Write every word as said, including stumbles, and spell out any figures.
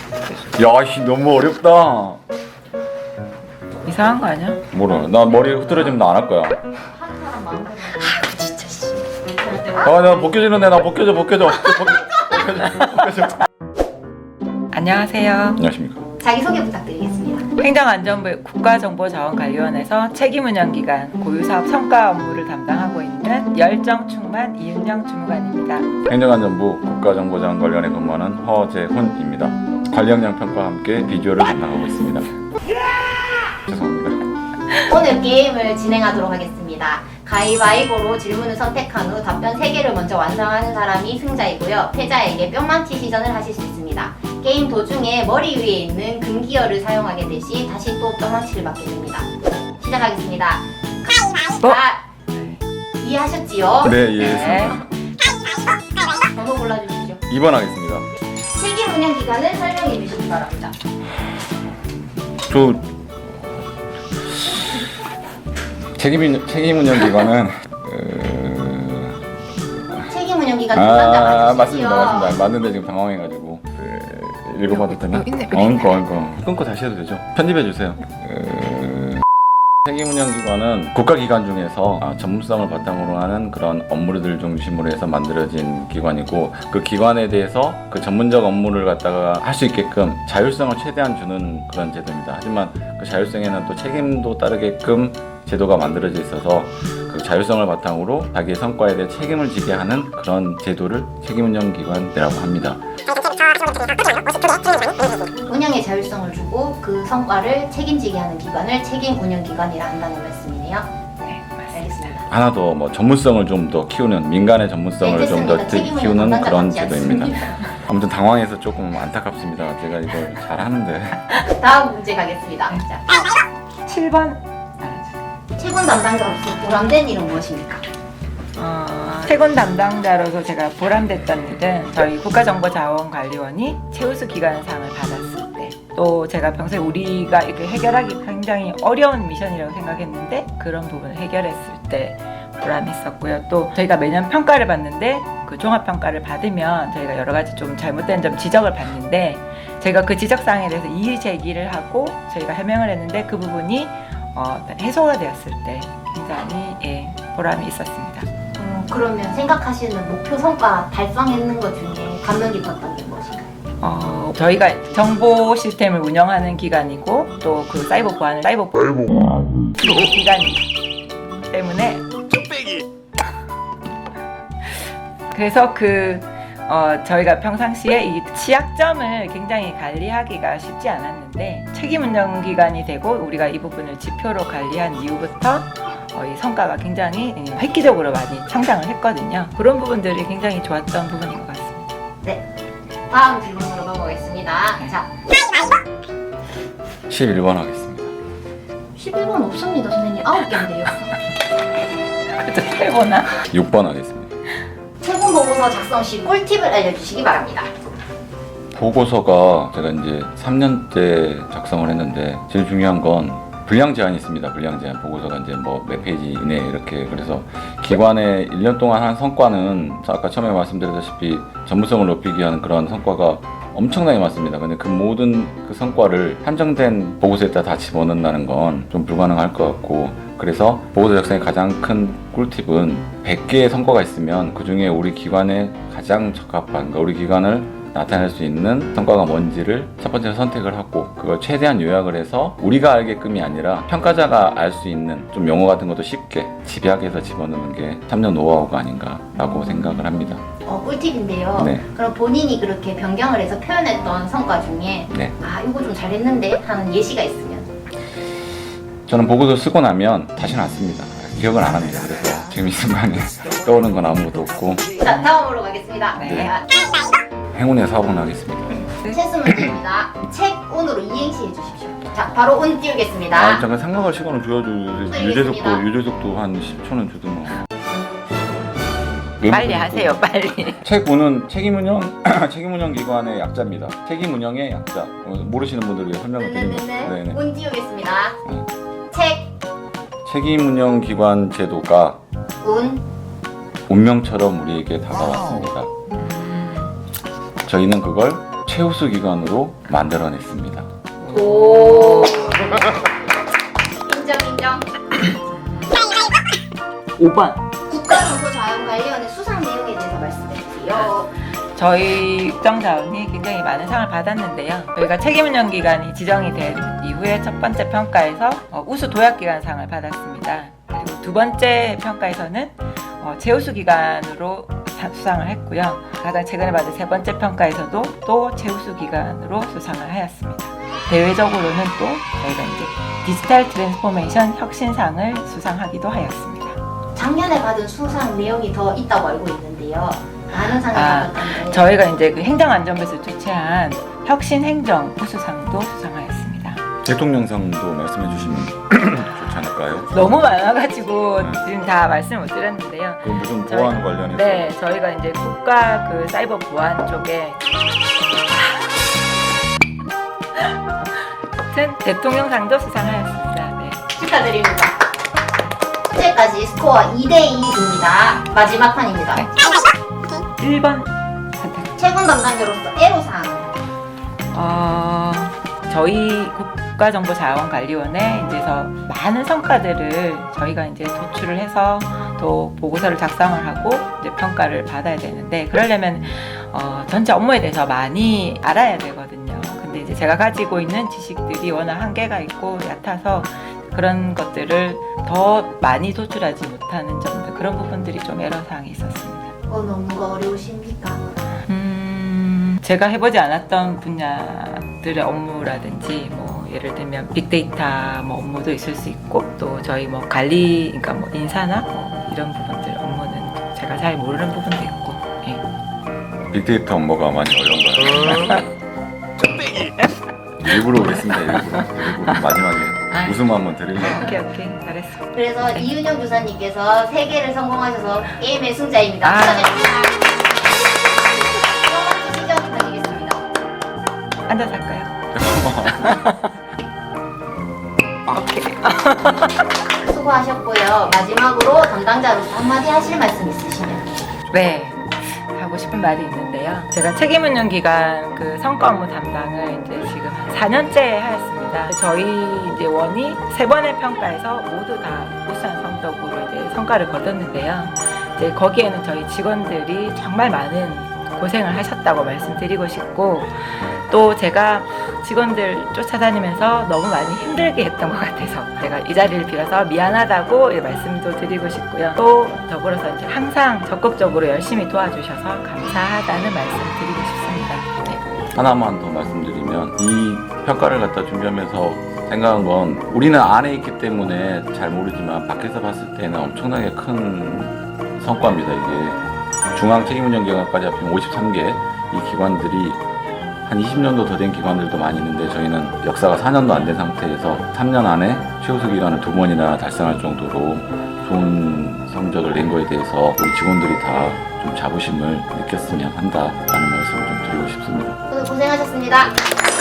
야씨 너무 어렵다. 이상한 거 아니야? 뭐라? 나 머리 흐트러지면 나 안 할 거야. 하는 사람 마음대로. 아이고 진짜 씨. 아나 벗겨지는데 나 벗겨져 벗겨져 벗겨져 벗겨져. 안녕하세요. 안녕하십니까. 자기소개 부탁드리겠습니다. 행정안전부 국가정보자원관리원에서 책임운영기관 고유사업 성과 업무를 담당하고 있는 열정충만 이윤영 주무관입니다. 행정안전부 국가정보자원관리원에 근무하는 허재훈입니다. 관리역량 평가와 함께 비주얼을 담당하고 있습니다. 죄송합니다. 오늘 게임을 진행하도록 하겠습니다. 가위바위보로 질문을 선택한 후 답변 세 개를 먼저 완성하는 사람이 승자이고요. 패자에게 뿅망치 시전을 하실 수 있습니다. 게임 도중에 머리 위에 있는 금기어를 사용하게 되시 다시 또 뿅망치를 맞게 됩니다. 시작하겠습니다. 뭐? 자, 이해하셨지요? 네 이해했습니다. 번호 골라주시죠. 이 번 하겠습니다. 책임 운영 기간을 설명해 주시기 바랍니다. 저 책임 책임 운영 기관은 어... 책임 운영 기간 아 담당자 맞습니다 맞으시죠? 맞습니다 맞는데 지금 당황해가지고 그, 읽어봐도 되나? 어, 있네. 어, 끊고 끊고 끊고 다시 해도 되죠? 편집해 주세요. 어... 책임 운영 기관은 국가 기관 중에서 아, 전문성을 바탕으로 하는 그런 업무들 중심으로 해서 만들어진 기관이고 그 기관에 대해서 그 전문적 업무를 갖다가 할 수 있게끔 자율성을 최대한 주는 그런 제도입니다. 하지만 그 자율성에는 또 책임도 따르게끔 제도가 만들어져 있어서 그 자율성을 바탕으로 자기의 성과에 대해 책임을 지게 하는 그런 제도를 책임운영기관이라고 합니다. 운영의 자율성을 주고 그 성과를 책임지게 하는 기관을 책임 운영 기관이라 한다는 말씀이네요. 네, 맞습니다. 알겠습니다. 하나 더 뭐 전문성을 좀 더 키우는 민간의 전문성을 네, 좀 더 됐습니다. 책임 운영 키우는 담당자 그런 맞지 제도입니다. 않습니다. 아무튼 당황해서 조금 안타깝습니다. 제가 이걸 잘 하는데. 다음 문제 가겠습니다. 네. 자, 칠 번. 채권 담당자로서 보람된 일은 무엇입니까? 어, 채권 담당자로서 제가 보람됐던 일은 저희 국가정보자원관리원이 최우수 기관상을 받았을 때, 또 제가 평소에 우리가 이렇게 해결하기 굉장히 어려운 미션이라고 생각했는데 그런 부분을 해결했을 때 보람있었고요. 또 저희가 매년 평가를 받는데 그 종합평가를 받으면 저희가 여러 가지 좀 잘못된 점 지적을 받는데 저희가 그 지적사항에 대해서 이의 제기를 하고 저희가 해명을 했는데 그 부분이 어, 해소가 되었을 때 굉장히 예, 보람이 있었습니다. 음, 그러면 생각하시는 목표 성과 달성했는 것 중에 감명 깊었던 게 무엇인가요? 어, 저희가 정보 시스템을 운영하는 기관이고 또 그 사이버 보안을 사이버 보안 기관이기 때문에 그래서 그 어, 저희가 평상시에 이 취약점을 굉장히 관리하기가 쉽지 않았는데 책임운영기관이 되고 우리가 이 부분을 지표로 관리한 이후부터 어, 이 성과가 굉장히 획기적으로 많이 성장을 했거든요. 그런 부분들이 굉장히 좋았던 부분인 것 같습니다. 네. 다음 질문으로 넘어가겠습니다. 네. 자, 십일 번 하겠습니다. 십일 번 없습니다, 선생님. 아홉 개인데요. 그래도 해보나? 육 번 하겠습니다. 채권 보고서 작성 시 꿀팁을 알려주시기 바랍니다. 보고서가 제가 이제 삼 년째 작성을 했는데 제일 중요한 건 분량 제한이 있습니다. 분량 제한. 보고서가 이제 뭐 몇 페이지 이내 이렇게. 그래서 기관의 일 년 동안 한 성과는 아까 처음에 말씀드렸다시피 전문성을 높이기 위한 그런 성과가 엄청나게 많습니다. 근데 그 모든 그 성과를 한정된 보고서에다 다 집어넣는다는 건 좀 불가능할 것 같고, 그래서 보고서 작성의 가장 큰 꿀팁은 백 개의 성과가 있으면 그 중에 우리 기관에 가장 적합한, 그러니까 우리 기관을 나타낼 수 있는 성과가 뭔지를 첫 번째로 선택을 하고 그걸 최대한 요약을 해서 우리가 알게끔이 아니라 평가자가 알 수 있는 좀 용어 같은 것도 쉽게 집약해서 집어넣는 게 삼 년 노하우가 아닌가라고 생각을 합니다. 어, 꿀팁인데요. 네. 그럼 본인이 그렇게 변경을 해서 표현했던 성과 중에 네. 아, 이거 좀 잘했는데 하는 예시가 있으면 저는 보고서 쓰고 나면 다시는 안 씁니다. 기억을 안 합니다. 그래서 지금 이 순간에 떠오르는 건 아무것도 없고. 자, 다음으로 가겠습니다. 네. 자, 행운의 사업은 하겠습니다. 체스 문제입니다. 책 운으로 이행시 해주십시오. 자, 바로 운 띄우겠습니다. 아, 잠깐 생각할 시간을 줘야죠. 유재석도 알겠습니다. 유재석도 한 십 초는 주더만. 빨리 하세요, 빨리. 책운은 책임운영 책임운영 기관의 약자입니다. 책임운영의 약자. 어, 모르시는 분들 위해 설명을 드립니다. 네네네. 네네. 운 띄우겠습니다. 네. 책, 책임운영 기관 제도가 운, 운명처럼 우리에게 다가왔습니다. 저희는 그걸 최우수 기관으로 만들어냈습니다. 오. 인정 인정. 오 번. 국가정보자원관리원의 수상 내용에 대해서 말씀해 주세요. 저희 국정자원이 굉장히 많은 상을 받았는데요. 저희가 책임운영 기관이 지정이 된 이후에 첫 번째 평가에서 어, 우수 도약기관상을 받았습니다. 그리고 두 번째 평가에서는 어, 최우수 기관으로 사- 수상을 했고요. 가장 최근에 받은 세 번째 평가에서도 또 최우수 기관으로 수상을 하였습니다. 대외적으로는 또 저희가 이제 디지털 트랜스포메이션 혁신상을 수상하기도 하였습니다. 작년에 받은 수상 내용이 더 있다고 알고 있는데요. 많은 상을 아, 받았던데. 저희가 이제 그 행정안전부에서 주최한 혁신행정 우수상도 수상하였습니다. 대통령상도 말씀해 주시면 좋지 않을까요? 너무 많아가지고 네. 지금 다 말씀 못 드렸는데요. 그 무슨 저희- 보안 관련해서 네, 저희가 이제 국가 그 사이버 보안 쪽에 아무튼 대통령상도 수상하였습니다. 네. 축하드립니다. 현재까지 스코어 이 대 이입니다. 마지막 판입니다. 네. 일 번 선택. 최군 담당자로서 애로사항. 어, 저희 국가정보자원관리원에 이제서 많은 성과들을 저희가 이제 도출을 해서 또 보고서를 작성을 하고 이제 평가를 받아야 되는데 그러려면 어, 전체 업무에 대해서 많이 알아야 되거든요. 근데 이제 제가 가지고 있는 지식들이 워낙 한계가 있고 얕아서 그런 것들을 더 많이 도출하지 못하는 점들 그런 부분들이 좀 애로사항이 있었습니다. 어느 업무가 어려우십니까? 음, 제가 해보지 않았던 분야들의 업무라든지 뭐 예를 들면 빅데이터 뭐 업무도 있을 수 있고 또 저희 뭐 관리 그러니까 뭐 인사나 뭐 이런 부분들 업무는 제가 잘 모르는 부분도 있고 예. 빅데이터 업무가 많이 어려운가요? 일부러 그랬습니다. 일부러. 일부러 마지막에 아이. 웃음 한번 드리려고. 오케이 오케이 잘했어. 그래서 이윤영 교사님께서 세 개를 성공하셔서 게임의 승자입니다. 아. 축하드립니다. 시전 부탁드리겠습니다. 앉아서 할까요? 오케이. 수고하셨고요. 마지막으로 담당자로서 한마디 하실 말씀 있으시면. 네. 하고 싶은 말이 있는데요. 제가 책임운영 기관 그 성과 업무 담당을 이제 지금 한 사 년째 하였습니다. 저희 이제 원이 세 번의 평가에서 모두 다 우수한 성적으로 이제 성과를 거뒀는데요. 이제 거기에는 저희 직원들이 정말 많은 고생을 하셨다고 말씀드리고 싶고 또 제가 직원들 쫓아다니면서 너무 많이 힘들게 했던 것 같아서 제가 이 자리를 빌어서 미안하다고 말씀도 드리고 싶고요. 또 더불어서 이제 항상 적극적으로 열심히 도와주셔서 감사하다는 말씀 드리고 싶습니다. 네. 하나만 더 말씀드리면 이 평가를 갖다 준비하면서 생각한 건 우리는 안에 있기 때문에 잘 모르지만 밖에서 봤을 때는 엄청나게 큰 성과입니다. 이게 중앙 책임운영기관까지 합치면 오십삼 개 이 기관들이 한 이십 년도 더 된 기관들도 많이 있는데 저희는 역사가 사 년도 안 된 상태에서 삼 년 안에 최우수 기관을 두 번이나 달성할 정도로 좋은 성적을 낸 거에 대해서 우리 직원들이 다 좀 자부심을 느꼈으면 한다라는 말씀을 좀 드리고 싶습니다. 오늘 고생하셨습니다.